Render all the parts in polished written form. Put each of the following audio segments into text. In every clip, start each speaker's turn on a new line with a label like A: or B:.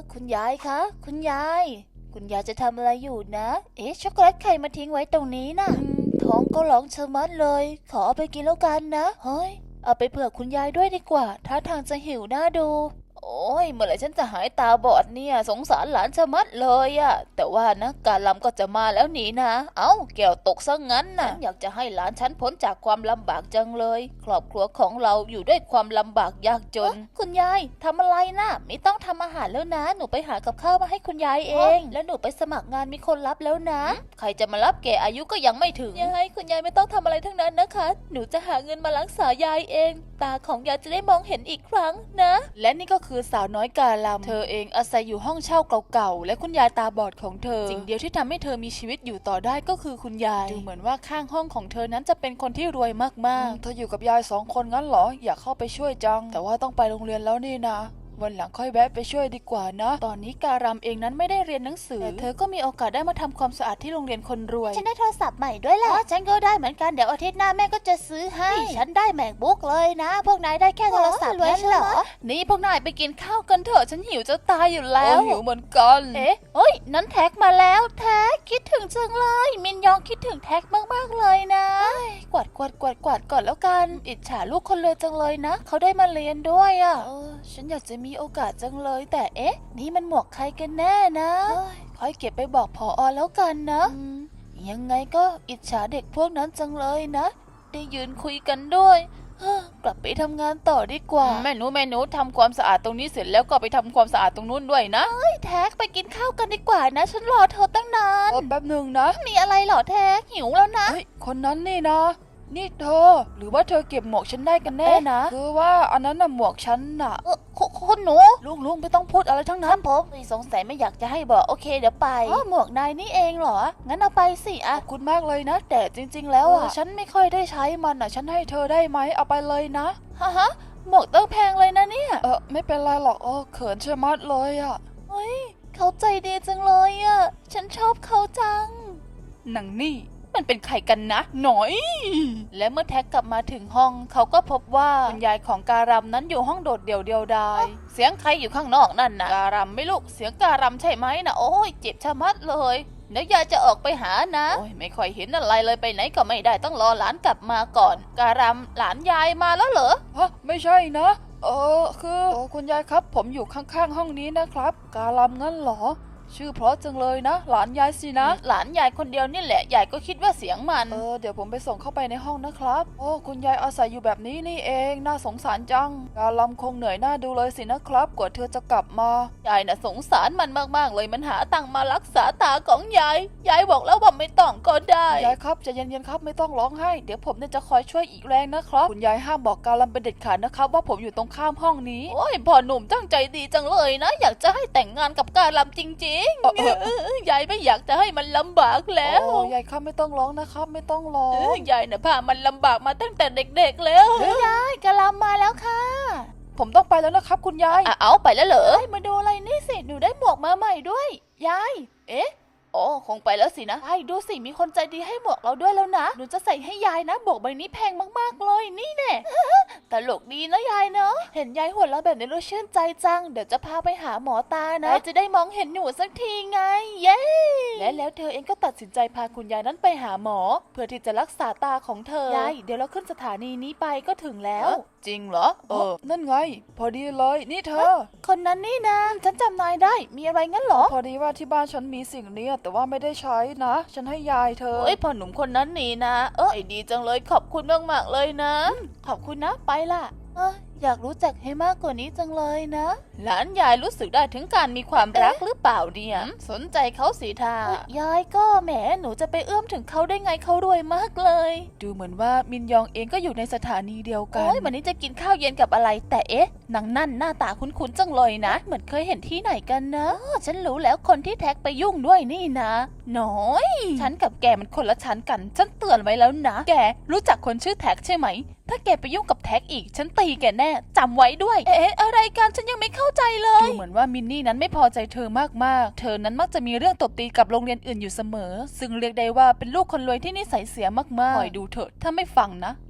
A: คุณยายคะคุณยายจะทำอะไรอยู่นะช็อกโกแลตใครมาทิ้งไว้ตรงนี้น่ะท้องก็ร้องชะมัดเลยขอเอาไปกินแล้วกันนะเฮ้ยเอาไปเผื่อคุณยายด้วยดีกว่าท่าทางจะหิวน่าดูโอ้ยเมื่อไหร่ฉันจะหายตาบอดเนี่ยสงสารหลานชะมัดเลยอะแต่ว่านะการลำก็จะมาแล้วนี่นะเอ้าแก้วตกซะงั้นนะฉันอยากจะให้หลานฉันพ้นจากความลำบากจังเลยครอบครัวของเราอยู่ด้วยความลำบากยากจนคุณยายทำอะไรนะไม่ต้องทำอาหารแล้วนะหนูไปหากับข้าวมาให้คุณยายเองแล้วหนูไปสมัครงานมีคนรับแล้วนะใครจะมารับแกอายุก็ยังไม่ถึงยายคุณยายไม่ต้องทำอะไรทั้งนั้นนะคะหนูจะหาเงินมารักษายายเองตาของยายจะได้มองเห็นอีกครั้งนะและนี่ก็คือสาวน้อยกาลำเธอเองอาศัยอยู่ห้องเช่าเก่าๆและคุณยายตาบอดของเธอสิ่งเดียวที่ทำให้เธอมีชีวิตอยู่ต่อได้ก็คือคุณยายดูเหมือนว่าข้างห้องของเธอนั้นจะเป็นคนที่รวยมากๆเธออยู่กับยาย2 คนงั้นเหรออยากเข้าไปช่วยจังแต่ว่าต้องไปโรงเรียนแล้วนี่นะวันหลังค่อยแวะไปช่วยดีกว่านะตอนนี้การำเองนั้นไม่ได้เรียนหนังสือแต่เธอก็มีโอกาสได้มาทำความสะอาดที่โรงเรียนคนรวยฉันได้โทรศัพท์ใหม่ด้วยแหละฉันก็ได้เหมือนกันเดี๋ยวอาทิตย์หน้าแม่ก็จะซื้อให้ฉันได้ MacBook เลยนะพวกนายได้แค่โทรศัพท์นั้นเหรอนี่พวกนายไปกินข้าวกันเถอะฉันหิวจะตายอยู่แล้ว
B: หิวเหมือนกัน
A: เอ้ยนั้นแท็กมาแล้วแท็กคิดถึงจังเลยมินยองคิดถึงแท็กมากๆเลยนะกวาดก่อนแล้วกันอิจฉาลูกคนรวยจังเลยนะเขาได้มาเรียนด้วยอ่ะฉันอยากจะมีโอกาสจังเลยแต่นี่มันหมวกใครกันแน่นะค่อยเก็บไปบอกผอแล้วกันนะยังไงก็อิจฉาเด็กพวกนั้นจังเลยนะได้ยืนคุยกันด้วยกลับไปทำงานต่อดีกว่า
B: แม่หนูทำความสะอาดตรงนี้เสร็จแล้วก็ไปทำความสะอาดตรงนู้นด้วยนะ
A: แท็กไปกินข้าวกันดีกว่านะฉันรอเธอตั้งนาน
B: แป๊บหนึ่งนะ
A: มีอะไรเหรอแท็กหิวแล้วนะ
B: คนนั้นนี่นะนี่เธอหรือว่าเธอเก็บหมวกฉันได้กันแน่นะคือว่าอันนั้นน่ะหมวกฉันน่ะ
A: คุณหนู
B: ลุงไม่ต้องพูดอะไรทั้งนั้น
A: ผมสงสัยไม่อยากจะให้บอกโอเคเดี๋ยวไปหมวกนายนี่เองเหรองั้นเอาไปสิ
B: ขอบคุณมากเลยนะแต่จริงๆแล้วฉันไม่ค่อยได้ใช้มันฉันให้เธอได้ไหมเอาไปเลยนะ
A: ฮะหมวกต้องแพงเลยนะเนี่ย
B: ไม่เป็นไรหรอกเขินชะมัดเลย
A: เฮ้ยเขาใจดีจังเลยฉันชอบเขาจัง
B: หนังนี่มันเป็นใครกันนะหน่อย
A: และเมื่อแท็กกลับมาถึงห้องเขาก็พบว่าคุณยายของการำนั้นอยู่ห้องโดดเดี่ยวเดียวดายเสียงใครอยู่ข้างนอกนั่นนะการำไม่ลูกเสียงการำใช่ไหมนะโอ้ยเจ็บชะมัดเลยเดี๋ยวยายจะออกไปหานะโอ้ยไม่ค่อยเห็นอะไรเลยไปไหนก็ไม่ได้ต้องรอหลานกลับมาก่อนการำหลานยายมาแล้วเหรอ
B: ไม่ใช่นะคือคุณยายครับผมอยู่ข้างๆห้องนี้นะครับการำงั้นเหรอชื่อเพราะจังเลยนะหลานยายสินะ
A: หลานยายคนเดียวนี่แหละยายก็คิดว่าเสียงมัน
B: เดี๋ยวผมไปส่งเข้าไปในห้องนะครับคุณยายอาศัยอยู่แบบนี้นี่เองน่าสงสารจังการลำคงเหนื่อยหน้าดูเลยสินะครับกว่าเธอจะกลับมาย
A: ายน่ะสงสารมันมากๆเลยมันหาตังค์มารักษาตาของยายบอกแล้วว่าไม่ต้องก็ได้
B: ยายครับใจเย็นๆครับไม่ต้องร้องไห้เดี๋ยวผมเนี่ยจะคอยช่วยอีกแรงนะครับคุณยายห้ามบอกการลำเป็นเด็ดขาดนะครับว่าผมอยู่ตรงข้ามห้องนี้
A: โอ้ยพ่อหนุ่มตั้งใจดีจังเลยนะอยากจะให้แต่งงานกับการลำจริงๆยายไม่อยากจะให้มันลำบากแล้ว
B: ยายครับไม่ต้องร้องนะครับไม่ต้องร้อง
A: ยายน่ะพามันลำบากมาตั้งแต่เด็กๆแล้วยายกะลำมาแล้วค่ะ
B: ผมต้องไปแล้วนะครับคุณยาย
A: เอาไปแล้วเหรอมาดูอะไรนี่สิหนูได้หมวกมาใหม่ด้วยยายโอ้คงไปแล้วสินะใช่ดูสิมีคนใจดีให้หมวกเราด้วยแล้วนะหนูจะใส่ให้ยายนะหมวกใบนี้แพงมากๆเลยนี่แน่ ตลกดีนะยายเนาะเห็นยายหัวเราะแบบนี้เราชื่นใจจังเดี๋ยวจะพาไปหาหมอตานะจะได้มองเห็นหนูสักทีไงเย้และแล้วเธอเองก็ตัดสินใจพาคุณยายนั้นไปหาหมอเพื่อที่จะรักษาตาของเธอยายเดี๋ยวเราขึ้นสถานีนี้ไปก็ถึงแล้ว
B: จริงเหรอนั่นไงพอดีเลยนี่เธอ
A: คนนั้นนี่นะฉันจำนายได้มีอะไรงั้นเหรอ
B: พอดีว่าที่บ้านฉันมีสิ่งนี้แต่ว่าไม่ได้ใช้นะฉันให้ยายเธอ
A: พ่อหนุ่มคนนั้นนี่นะไอ้ดีจังเลยขอบคุณมากๆเลยนะขอบคุณนะไปล่ะอยากรู้จักให้มากกว่านี้จังเลยนะหลานยายรู้สึกได้ถึงการมีความรักหรือเปล่าเนี่ยสนใจเขาสิท่ายายก็แหมหนูจะไปเอื้อมถึงเขาได้ไงเขารวยมากเลย
B: ดูเหมือนว่ามินยองเองก็อยู่ในสถานีเดียวกัน
A: วันนี้จะกินข้าวเย็นกับอะไรแต่นางนั่นหน้าตาคุ้นๆจังเลยนะเหมือนเคยเห็นที่ไหนกันนะฉันรู้แล้วคนที่แท็กไปยุ่งด้วยนี่นะน้อยฉันกับแกมันคนละชั้นกันฉันเตือนไว้แล้วนะแกรู้จักคนชื่อแท็กใช่ไหมถ้าแกไปยุ่งกับแท็กอีกฉันตีแกแน่จำไว้ด้วยอะไรกันฉันยังไม่เข้าใจเลย
B: ดูเหมือนว่ามินนี่นั้นไม่พอใจเธอมากๆเธอนั้นมักจะมีเรื่องตบตีกับโรงเรียนอื่นอยู่เสมอซึ่งเรียกได้ว่าเป็นลูกคนรวยที่นิสัยเสียมากๆคอยดูเถอะถ้าไม่ฟังนะ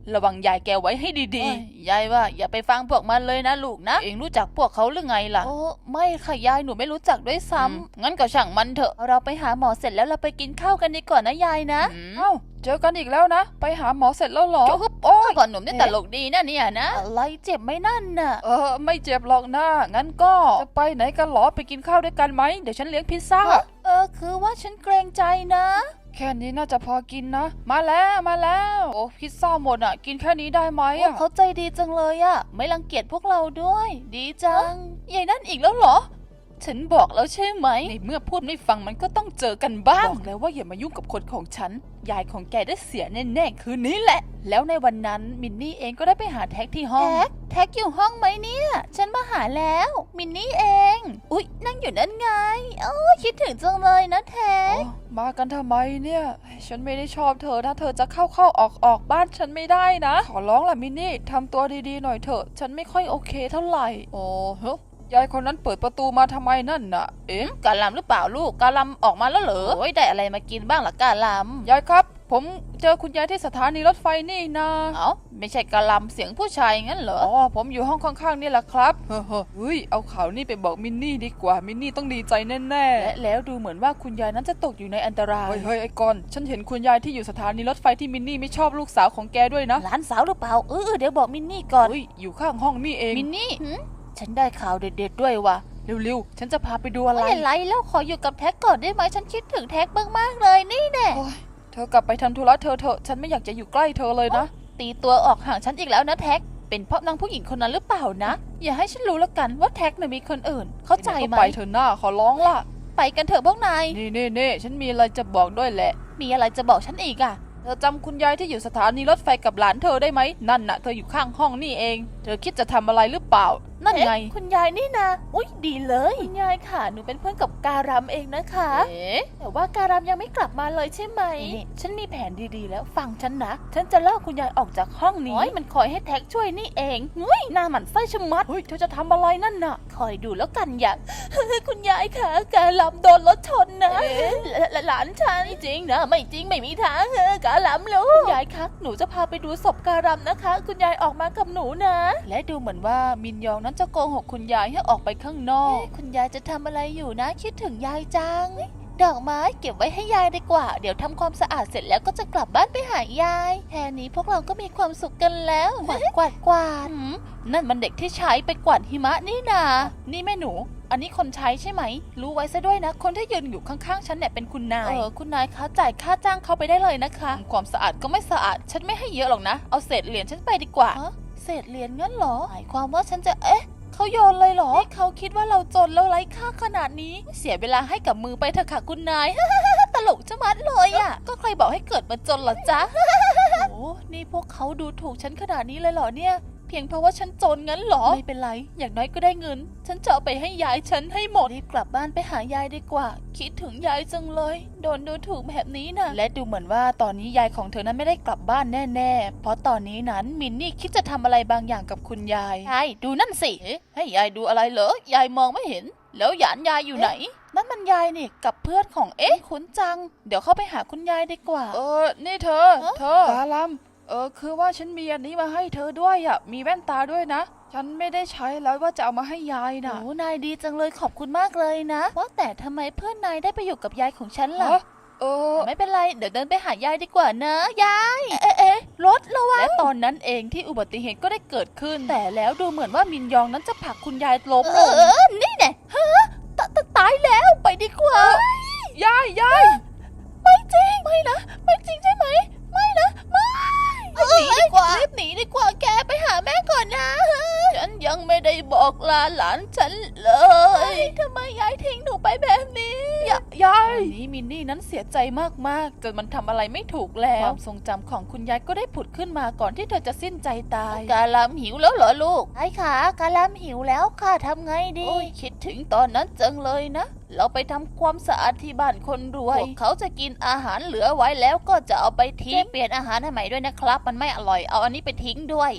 B: ระวังยายแกไว้ให้ดีๆยายว่าอย่าไปฟังพวกมันเลยนะลูกนะเองรู้จักพวกเขาหรือไงล่ะ
A: โอ้ไม่ค่ะยายหนูไม่รู้จักด้วยซ้ำ
B: งั้นก็ช่างมันเถอะ
A: เราไปหาหมอเสร็จแล้วเราไปกินข้าวกันดีกว่านะยายนะ
B: เอ้าเจอกันอีกแล้วนะไปหาหมอเสร็จแล้วเหรอ
A: โอ้โอ้ก่อนหนุ่มนี่ตลกดีนะเนี่ยนะอะไรเจ็บไหมนั่นน่ะ
B: ไม่เจ็บหรอกนะงั้นก็จะไปไหนกันหรอไปกินข้าวด้วยกันไหมเดี๋ยวฉันเลี้ยงพิซซ่า
A: คือว่าฉันเกรงใจนะ
B: แค่นี้น่าจะพอกินนะมาแล้วโอ้พิซซ่าหมดอ่ะกินแค่นี้ได้ไหมอ่ะ
A: เขาใจดีจังเลยอะไม่รังเกียจพวกเราด้วย ดีจังยายนั่นอีกแล้วเหรอ ฉันบอกแล้วใช่ไหม
B: ในเมื่อพูดไม่ฟังมันก็ต้องเจอกันบ้างบอกแล้วว่าอย่ามายุ่งกับคนของฉันยายของแกได้เสียแน่ๆคืนนี้แหละ
A: แล้วในวันนั้นมินนี่เองก็ได้ไปหาแท็กที่ห้องแท็กอยู่ห้องไหมเนี่ย ฉันมาหาแล้วมินนี่เอง อุ๊ยนั่งอยู่นั่นไงคิดถึงจังเลยนะแท็ก
B: มากันทำไมเนี่ยฉันไม่ได้ชอบเธอนะเธอจะเข้าออกบ้านฉันไม่ได้นะขอร้องล่ะมินนี่ทำตัวดีๆหน่อยเถอะฉันไม่ค่อยโอเคเท่าไหร่โอ้เฮ้ยายคนนั้นเปิดประตูมาทำไมนั่นน่ะ
A: กาลำหรือเปล่าลูกกาลำออกมาแล้วเหรอโอ้ยได้อะไรมากินบ้างล่ะกาลำ
B: ยายครับผมเจอคุณยายที่สถานีรถไฟนี่นะ
A: ไม่ใช่กาลำเสียงผู้ชายงั้นเหรอ
B: ผมอยู่ห้องข้างๆนี่แหละครับเฮ้ยเอาข่าวนี่ไปบอกมินนี่ดีกว่ามินนี่ต้องดีใจแน่ๆและแล้วดูเหมือนว่าคุณยายนั้นจะตกอยู่ในอันตรายเฮ้ยไอ้กอนฉันเห็นคุณยายที่อยู่สถานีรถไฟที่มินนี่ไม่ชอบลูกสาวของแกด้วยนะ
A: หลานสาวหรือเปล่าเดี๋ยวบอกมินนี่ก่อน
B: อยู่ข้างห้องนี่เอง
A: มินนี่ฉันได้ข่าวเด็ดๆด้วยว่ะ
B: เร็วๆฉันจะพาไปดูอะไร
A: ไม่เป็นไรแล้วขออยู่กับแท็กก่อนได้ไหมฉันคิดถึงแท็กมากๆเลยนี่แน่
B: เธอกลับไปทำธุระเธอเถอะฉันไม่อยากจะอยู่ใกล้เธอเลยนะ
A: ตีตัวออกห่างฉันอีกแล้วนะแท็กเป็นเพราะนางผู้หญิงคนนั้นหรือเปล่านะอย่าให้ฉันรู้แล้วกันว่าแท็กน่ะมีคนอื่นเข้าใจไหม
B: ไปเถอะหน้าขอร้องล่ะ
A: ไปกันเถอะพวกนาย
B: นี่ฉันมีอะไรจะบอกด้วยแหละ
A: มีอะไรจะบอกฉันอีกอะ
B: เธอจำคุณยายที่อยู่สถานีรถไฟกับหลานเธอได้ไหมนั่นน่ะเธออยู่ข้างห้องนี่เองเธอคิดจะทำอะไรหรือเปล่านั่นไง
A: คุณยายนี่นะอุ๊ยดีเลยคุณยายค่ะหนูเป็นเพื่อนกับการัมเองนะคะแต่ว่าการัมยังไม่กลับมาเลยใช่ไหมฉันมีแผนดีๆแล้วฟังฉันนะฉันจะลากคุณยายออกจากห้องนี้มันคอยให้แท็กช่วยนี่เองหน้าหมันไส้ชะมัด
B: เฮ้ยเธอจะทำอะไรนั่นน่ะ
A: คอยดูแล้วกันอย่า คุณยายค่ะการัมโดนรถชนนะหลานฉันจริงนะไม่จริงไม่มีทางการัมลูกคุณยายคะหนูจะพาไปดูศพการัมนะคะ คุณยายออกมากับหนูนะและดูเหมือนว่ามินยองนั้นจะโกหกคุณยายให้ออกไปข้างนอกคุณยายจะทำอะไรอยู่นะคิดถึงยายจังดอกไม้เก็บไว้ให้ยายดีกว่าเดี๋ยวทำความสะอาดเสร็จแล้วก็จะกลับบ้านไปหายายแค่นี้พวกเราก็มีความสุขกันแล้วกวาดนั่นมันเด็กที่ใช้ไปกวาดหิมะนี่นานี่แม่หนูอันนี้คนใช้ใช่ไหมรู้ไว้ซะด้วยนะคนที่ยืนอยู่ข้างๆฉันเนี่ยเป็นคุณนายคุณนายคะจ่ายค่าจ้างเขาไปได้เลยนะคะความสะอาดก็ไม่สะอาดฉันไม่ให้เยอะหรอกนะเอาเศษเหรียญฉันไปดีกว่าเศษเหรียญงั้นเหรอหมายความว่าฉันจะเขาโยนเลยเหรอเขาคิดว่าเราจนแล้วไร้ค่าขนาดนี้เสียเวลาให้กับมือไปเถอะค่ะคุณนาย ตลกจะมัดเลยอ่ะก็ใครบอกให้เกิดมาจนเหรอจ๊ะ โอ้นี่พวกเขาดูถูกฉันขนาดนี้เลยเหรอเนี่ยเพียงเพราะว่าฉันจนงั้นเหรอไม่เป็นไรอย่างน้อยก็ได้เงินฉันจะเอาไปให้ยายฉันให้หมดรีบกลับบ้านไปหายายดีกว่าคิดถึงยายจังเลยโดนดูถูกแบบนี้นะและดูเหมือนว่าตอนนี้ยายของเธอนั้นไม่ได้กลับบ้านแน่ๆเพราะตอนนี้นั้นมินนี่คิดจะทำอะไรบางอย่างกับคุณยายยายดูนั่นสิให้ยายดูอะไรเหรอยายมองไม่เห็นแล้วหยานยายอยู่ไหนนั่นมันยายนี่กับเพื่อนของคุ้นจังเดี๋ยวเข้าไปหาคุณยายดีกว่า
B: นี่เธอกาลัมคือว่าฉันมีอันนี้มาให้เธอด้วยอ่ะมีแว่นตาด้วยนะฉันไม่ได้ใช้แล้วว่าจะเอามาให้ยายนะ
A: โอ้นายดีจังเลยขอบคุณมากเลยนะว่าแต่ทำไมเพื่อนนายได้ไปอยู่กับยายของฉันล่ะไม่เป็นไรเดี๋ยวเดินไปหายายดีกว่านะยายรถระวังและตอนนั้นเองที่อุบัติเหตุก็ได้เกิดขึ้นแต่แล้วดูเหมือนว่ามินยองนั้นจะผลักคุณยายล้มลงนี่แน่ตายแล้วไปดีกว่าย
B: าย
A: ไม่จริงไม่นะไม่จริงใช่ไหมไม่นะไม่หนีดีกว่ารีบหนีดีกว่าแกไปหาแม่ก่อนนะฉันยังไม่ได้บอกลาหลานฉันเลยทำไมยายทิ้งหนูไปแบบนี้
B: ยาย
A: ตอนนี้มินนี่นั้นเสียใจมากๆจนมันทำอะไรไม่ถูกแล้วความทรงจำของคุณยายก็ได้ผุดขึ้นมาก่อนที่เธอจะสิ้นใจตายกาลามหิวแล้วเหรอลูกใช่ค่ะกาลามหิวแล้วค่ะทำไงดีคิดถึงตอนนั้นจังเลยนะเราไปทำความสะอาดที่บ้านคนรวยพวกเขาจะกินอาหารเหลือไว้แล้วก็จะเอาไปทิ้งเปลี่ยนอาหารให้ใหม่ด้วยนะครับมันไม่อร่อยเอาอันนี้ไปทิ้งด้วย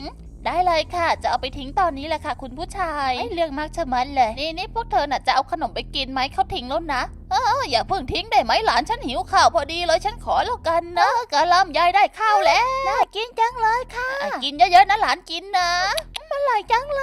A: ได้เลยค่ะจะเอาไปทิ้งตอนนี้แหละค่ะคุณผู้ชายเรื่องมากชะมัดเลยนี่พวกเธอน่ะจะเอาขนมไปกินไหมเขาทิ้งแล้วนะอย่าเพิ่งทิ้งได้ไหมหลานฉันหิวข้าวพอดีเลยฉันขอแล้วกันนะกะลำยายได้ข้าวแล้วน่ากินจังเลยค่ะกินเยอะๆนะหลานกินนะมันอร่อยจังเลย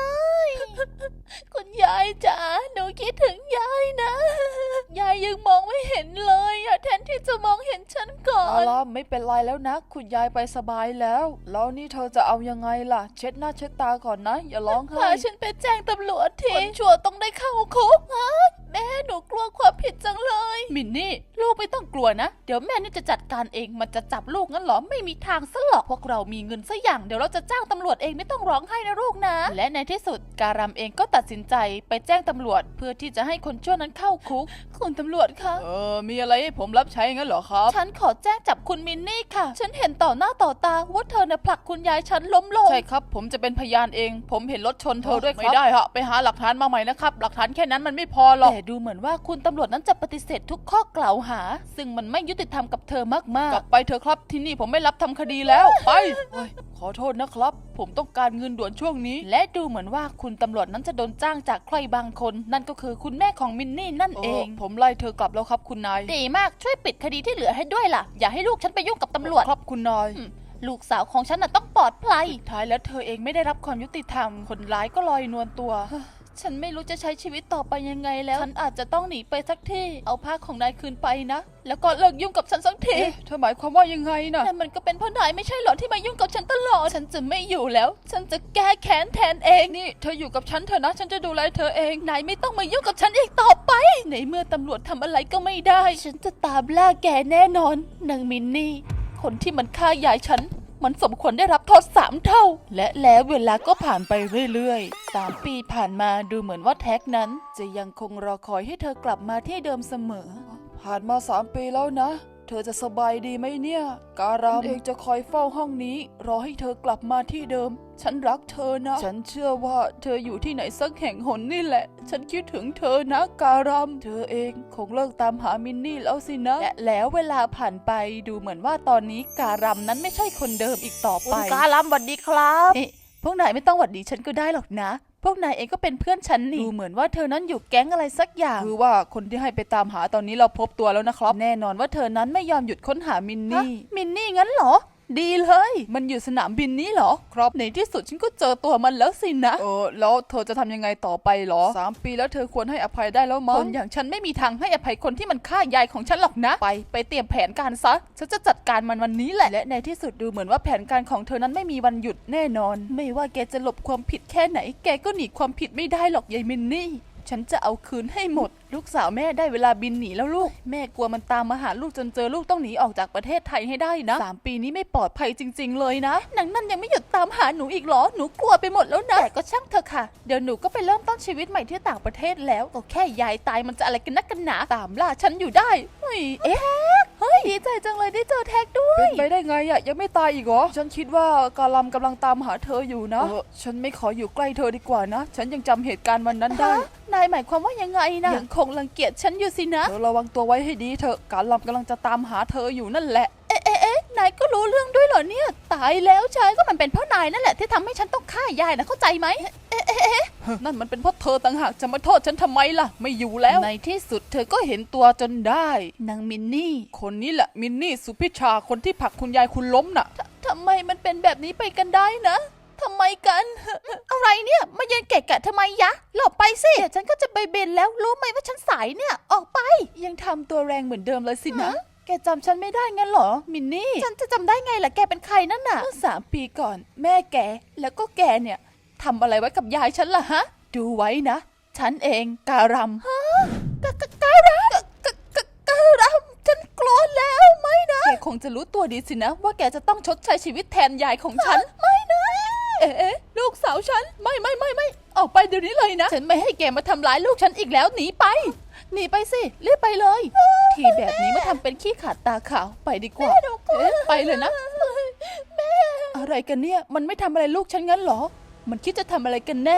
A: คุณยายจ๋าหนูคิดถึงยายนะยายยังมองไม่เห็นเลยแทนที่จะมองเห็นฉันก่อน
B: เอาล่ะไม่เป็นไรแล้วนะคุณยายไปสบายแล้วแล้วนี่เธอจะเอายังไงล่ะเช็ดหน้าเช็ดตาก่อนนะอย่าร้องไห้
A: พาฉันไปแจ้งตำรวจทีคนชั่วต้องได้เข้าคุกแม่หนูกลัวความผิดจังเลยมินนี่ลูกไม่ต้องกลัวนะเดี๋ยวแม่นี่จะจัดการเองมันจะจับลูกงั้นหรอไม่มีทางซะหรอกพวกเรามีเงินซะอย่างเดี๋ยวเราจะจ้างตำรวจเองไม่ต้องร้องไห้นะลูกนะและในที่สุดการัมเองก็ตัดสินใจไปแจ้งตำรวจเพื่อที่จะให้คนชั่วนั้นเข้าคุกคุณตำรวจคะ
B: มีอะไรให้ผมรับใช้งั้นเหรอครับ
A: ฉันขอแจ้งจับคุณมินนี่ค่ะฉันเห็นต่อหน้าต่อตาว่าเธอน่ะผลักคุณยายฉันล้มลง
B: ใช่ครับผมจะเป็นพยานเองผมเห็นรถชนเธอด้วยครับไม่ได้ฮะไปหาหลักฐานมาใหม่นะครับหลักฐานแค่นั้นมันไม่พอหรอก
A: แต่ดูเหมือนว่าคุณตำรวจนั้นจะปฏิเสธทุกข้อกล่าวหาซึ่งมันไม่ยุติธรรมกับเธอมากๆ
B: กลับไปเถอะครับที่นี่ผมไม่รับทำคดีแล้วไปขอโทษนะครับผมต้องการเงินด่วนช่วงนี้
A: และดูเหมือนว่าคุณตำรวจนั้นจะโดนจ้างจากใครบางคนนั่นก็คือคุณแม่ของมินนี่นั่นเอง
B: ผมไล่เธอกลับแล้วครับคุณนาย
A: ดีมากช่วยปิดคดีที่เหลือให้ด้วยล่ะอย่าให้ลูกฉันไปยุ่งกับตำรวจ
B: ครับคุณนาย
A: ลูกสาวของฉันน่ะต้องปลอดภัย
B: ท้ายแล้วเธอเองไม่ได้รับความยุติธรรมคนร้ายก็ลอยนวลตัว
A: ฉันไม่รู้จะใช้ชีวิตต่อไปยังไงแล้วฉันอาจจะต้องหนีไปสักที่เอาผ้าของนายคืนไปนะแล้วก็เลิกยุ่งกับฉันสักที
B: เธอหมายความว่ายังไงนะ
A: แต่มันก็เป็นเพราะนายไม่ใช่หรอที่มายุ่งกับฉันตลอดฉันจะไม่อยู่แล้วฉันจะแก้แค้นแทนเอง
B: นี่เธออยู่กับฉันเถอะนะฉันจะดูแลเธอเอง
A: นายไม่ต้องมายุ่งกับฉันอีกต่อไปในเมื่อตำรวจทำอะไรก็ไม่ได้ฉันจะตามล่าแกแน่นอนนางมินนี่คนที่มันฆ่ายายฉันมันสมควรได้รับโทษ3 เท่าและแล้วเวลาก็ผ่านไปเรื่อยๆ3 ปีผ่านมาดูเหมือนว่าแท็กนั้นจะยังคงรอคอยให้เธอกลับมาที่เดิมเสมอ
B: ผ่านมา3 ปีแล้วนะเธอจะสบายดีไหมเนี่ยการามเองจะคอยเฝ้าห้องนี้รอให้เธอกลับมาที่เดิมฉันรักเธอนะฉันเชื่อว่าเธออยู่ที่ไหนสักแห่งหนนี่แหละฉันคิดถึงเธอนะการามเธอเองคงเลิกตามหามินนี่แล้วสินะ
A: และแล้วเวลาผ่านไปดูเหมือนว่าตอนนี้การามนั้นไม่ใช่คนเดิมอีกต่อไป
B: การามสวัสดีครับ
A: พวกนายไม่ต้องหวัดดีฉันก็ได้หรอกนะพวกนายเองก็เป็นเพื่อนฉันนี่ดูเหมือนว่าเธอนั้นอยู่แก๊งอะไรสักอย่าง
B: คือว่าคนที่ให้ไปตามหาตอนนี้เราพบตัวแล้วนะครับ
A: แน่นอนว่าเธอนั้นไม่ยอมหยุดค้นหามินนี่งั้นเหรอดีเลยมันอยู่สนามบินนี้เหรอ
B: ครับ
A: ในที่สุดฉันก็เจอตัวมันแล้วสินะ
B: แล้วเธอจะทำยังไงต่อไปหรอ3 ปีแล้วเธอควรให้อภัยได้แล้วมั้ง
A: คนอย่างฉันไม่มีทางให้อภัยคนที่มันฆ่ายายของฉันหรอกนะไปเตรียมแผนการซะฉันจะจัดการมันวันนี้แหละและในที่สุดดูเหมือนว่าแผนการของเธอนั้นไม่มีวันหยุดแน่นอนไม่ว่าแกจะหลบความผิดแค่ไหนแกก็หนีความผิดไม่ได้หรอกยายมินนี่ฉันจะเอาคืนให้หมดลูกสาวแม่ได้เวลาบินหนีแล้วลูกแม่กลัวมันตามมาหาลูกจนเจอลูกต้องหนีออกจากประเทศไทยให้ได้นะ3 ปีนี้ไม่ปลอดภัยจริงๆเลยนะนางนั่นยังไม่หยุดตามหาหนูอีกหรอหนูกลัวไปหมดแล้วนะแต่ก็ช่างเถอะค่ะเดี๋ยวหนูก็ไปเริ่มต้นชีวิตใหม่ที่ต่างประเทศแล้วก็แค่ยายตายมันจะอะไรกันนักกันหนาตามล่าฉันอยู่ได้เฮ้ยดีใจจังเลยได้เจอแท็กด้วย
B: เป็นไปได้ไงอะยังไม่ตายอีกเหรอฉันคิดว่าการัมกำลังตามหาเธออยู่นะฉันไม่ขออยู่ใกล้เธอดีกว่านะฉันยังจำเหตุการณ์วันนั้นได้
A: นายหมายความว่ายังไงนะยังคงรังเกียจฉันอยู่สินะ
B: เธอระวังตัวไว้ให้ดีเถอะการัมกำลังจะตามหาเธออยู่นั่นแหละ
A: นายก็รู้เรื่องด้วยเหรอเนี่ยตายแล้วใช่ก็มันเป็นเพราะนายนั่นแหละที่ทำให้ฉันต้องฆ่ายายนะเข้าใจไหม
B: นั่นมันเป็นเพราะเธอต่างหากจะมาโทษฉันทำไมล่ะไม่อยู่แล้ว
A: ในที่สุดเธอก็เห็นตัวจนได้นางมินนี่
B: คนนี้แหละมินนี่สุพิชาคนที่ผลักคุณยายคุณล้มน่ะ
A: ทำไมมันเป็นแบบนี้ไปกันได้นะทำไมกันอะไรเนี่ยมาเย็นเกะกะทำไมยะหลบไปสิเดี๋ยวฉันก็จะไปบินแล้วรู้ไหมว่าฉันสายเนี่ยออกไปยังทำตัวแรงเหมือนเดิมเลยสินะแกจำฉันไม่ได้งั้นเหรอมินนี่ฉันจะจำได้ไงล่ะแกเป็นใครนั่นน่ะเมื่อ3 ปีก่อนแม่แกแล้วก็แกเนี่ยทำอะไรไว้กับยายฉันล่ะฮะดูไว้นะฉันเองการัมการัมฉันกลัวแล้วไม่นะแกคงจะรู้ตัวดีสินะว่าแกจะต้องชดใช้ชีวิตแทนยายของฉันไม่นะลูกสาวฉันไม่ออกไปเดี๋ยวนี้เลยนะฉันไม่ให้แกมาทำร้ายลูกฉันอีกแล้วหนีไปสิรีบไปเลยทีแบบนี้มาทำเป็นขี้ขาดตาขาวไปดีกว่าไปเลยนะแม่อะไรกันเนี่ยมันไม่ทำอะไรลูกฉันงั้นหรอมันคิดจะทำอะไรกันแน่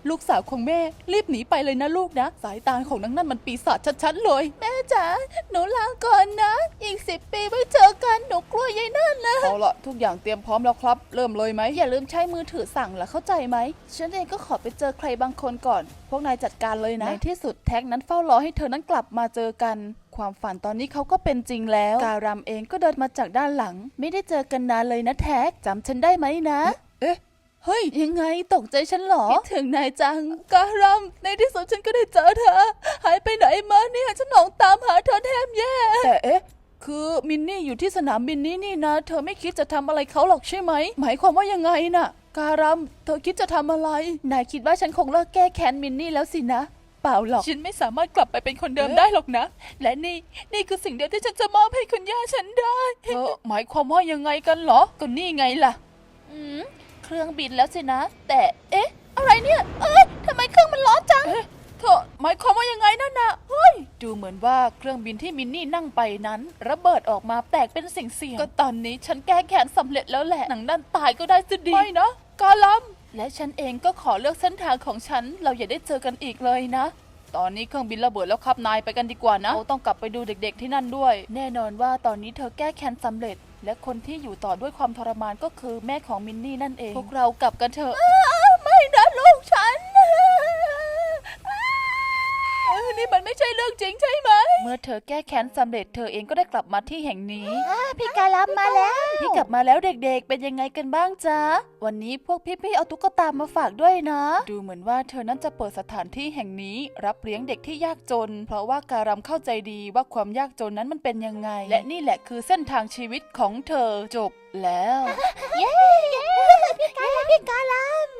B: ลูกสาวของแม่รีบหนีไปเลยนะลูกนะสายตาของนางนั่นมันปีศาจชัดๆเลย
A: แม่จ๋าหนูลาก่อนนะอีก10 ปีไว้เจอกันหนูกลัวยายนั่นนะ
B: เอาละทุกอย่างเตรียมพร้อมแล้วครับเริ่มเลยไหม
A: อย่าลืมใช้มือถือสั่งล่ะเข้าใจไหมฉันเองก็ขอไปเจอใครบางคนก่อนพวกนายจัดการเลยนะในที่สุดแท็กนั้นเฝ้ารอให้เธอนั้นกลับมาเจอกันความฝันตอนนี้เขาก็เป็นจริงแล้วการัมเองก็เดินมาจากด้านหลังไม่ได้เจอกันนานเลยนะแท็กจำฉันได้ไหมนะ
B: เอ๊ะ
A: เฮ้ยยังไงตกใจฉันหรอคิดถึงนายจังการัมในที่สุดฉันก็ได้เจอเธอหายไปไหนมาเนี่ยฉันหลงตามหาเธอแทบแย่
B: แต่เอ๊ะคือมินนี่อยู่ที่สนามบินนี้นี่นะเธอไม่คิดจะทำอะไรเขาหรอกใช่ไหมหมายความว่ายังไงน่ะการัมเธอคิดจะทำอะไร
A: นายคิดว่าฉันคงเลิกแก้แค้นมินนี่แล้วสินะเปล่าหรอก
B: ฉันไม่สามารถกลับไปเป็นคนเดิมได้หรอกนะ
A: และนี่คือสิ่งเดียวที่ฉันจะมอบให้คุณย่าฉันได้
B: เธอหมายความว่ายังไงกันเหรอก็นี่ไงล่ะ
A: เครื่องบินแล้วสินะแต่เอ๊ะอะไรเนี่ยทำไมเครื่องมันร้อนจัง
B: เธอหมายความว่ายังไงนั่นน่ะเฮ้ยดูเหมือนว่าเครื่องบินที่มินนี่นั่งไปนั้นระเบิดออกมาแตกเป็นสิ่งก็ตอนนี้ฉันแก้แค้นสำเร็จแล้วแหละหนังด้านตายก็ได้สิดีไม่นะกาลัม
A: และฉันเองก็ขอเลือกเส้นทางของฉันเราอย่าได้เจอกันอีกเลยนะ
B: ตอนนี้เครื่องบินระเบิดแล้วครับนายไปกันดีกว่านะเราต้องกลับไปดูเด็กๆที่นั่นด้วย
A: แน่นอนว่าตอนนี้เธอแก้แค้นสำเร็จและคนที่อยู่ต่อด้วยความทรมานก็คือแม่ของมินนี่นั่นเองพวกเรากลับกันเถอะไม่นะลูกฉันนี่มันไม่ใช่เรื่องจริงใช่ไหมเมื่อเธอแก้แค้นสำเร็จเธอเองก็ได้กลับมาที่แห่งนี้พี่กาลับมาแล้วพี่กลับมาแล้วเด็กๆเป็นยังไงกันบ้างจ๊ะวันนี้พวกพี่ๆเอาตุ๊กตามาฝากด้วยนะดูเหมือนว่าเธอนั้นจะเปิดสถานที่แห่งนี้รับเลี้ยงเด็กที่ยากจนเพราะว่าการัมเข้าใจดีว่าความยากจนนั้นมันเป็นยังไงและนี่แหละคือเส้นทางชีวิตของเธอจบแล้วเย้พี่กาลัม